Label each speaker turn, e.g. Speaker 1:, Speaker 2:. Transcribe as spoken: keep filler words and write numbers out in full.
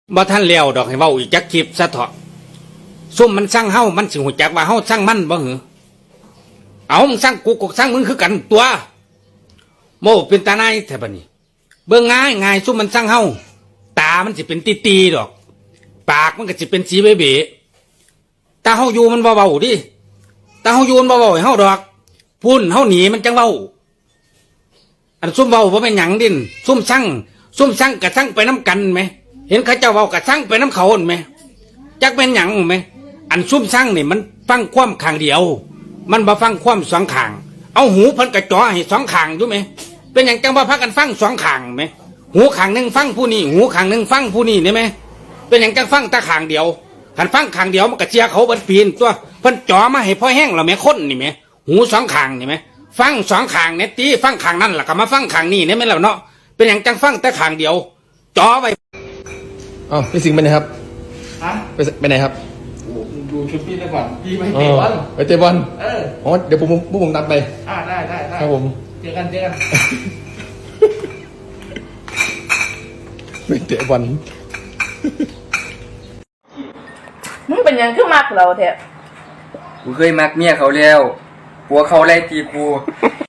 Speaker 1: บ่ท่านเลี้ยวดอกให้เว้าอีกจักคลิปซะเถาะซุ่มมันสร้างเฮามันสิหูจักว่าเฮาสร้างมันบ่หือเอามึงสร้างกูกูสร้างมึงคือกันตัวโมเป็นตาหนายแท้บัดนี้เบิ่งง่ายง่ายซุ่มมันสร้างเฮาตามันสิเป็นตีๆดอกปากมันก็สิเป็นสีเบ๋ๆตาเฮาอยู่มันบ่เว้าดิตาเฮาอยู่มันบ่เว้าให้เฮาดอกพุ่นเฮาหนีมันจังเว้าอันซุ่มเว้าบ่แม่นหยังดินซุ่มสร้างซุ่มสร้างกะสร้างไปน้ำกันไหมเห็นเขาเจ้าเว้ากะสร้างไปน้ำเขาไหมจักเป็นหยังไหมอันซุ่มสร้างนี่มันฟังความข้างเดียวมันบ่ฟังความสองข้างเอาหูเพิ่นกระจ่อให้สองข้างอยู่ไหมเป็นหยังจังว่าพากันฟังสองข้างไหมหูข้างหนึ่งฟังผู้นี้หูข้างหนึ่งฟังผู้นี้ได้ไหมเป็นหยังจังฟังแต่ข้างเดียวหันฟังข้างเดียวมันกระเจียเขาบันปีนตัวเพิ่นจ่อมาให้พ่อแห้งเราแม่คนนี่ไหมหูสองข้างนี่ไหมฟังสองข้างเนี่ยตีฟังข้างนั่นแหละก็มาฟังข้างนี้เนี่ยไม่แล้วเนาะเป็นหยังจังฟังแต่ข้างเดียวจ่อไว้
Speaker 2: อ๋อพี่สิงห์ไปไหนครับ
Speaker 3: ฮะ
Speaker 2: ไปไปไหนครับ
Speaker 3: ดูชุดพี่ซะก่อนพี่ไปเตะบอล
Speaker 2: ไปเตะบอล
Speaker 3: เออ
Speaker 2: อ๋อเดี๋ยวผมพวกผมตามไป
Speaker 3: อ่าได้ได้ได้
Speaker 2: ครับผม
Speaker 3: เจอกันเจอกัน
Speaker 2: ไปเตะบอล
Speaker 4: มึงเป็นยังคือมักเราแท้
Speaker 5: กูเคยมักเมียเขาแล้วผัวเขาไล่ตีกู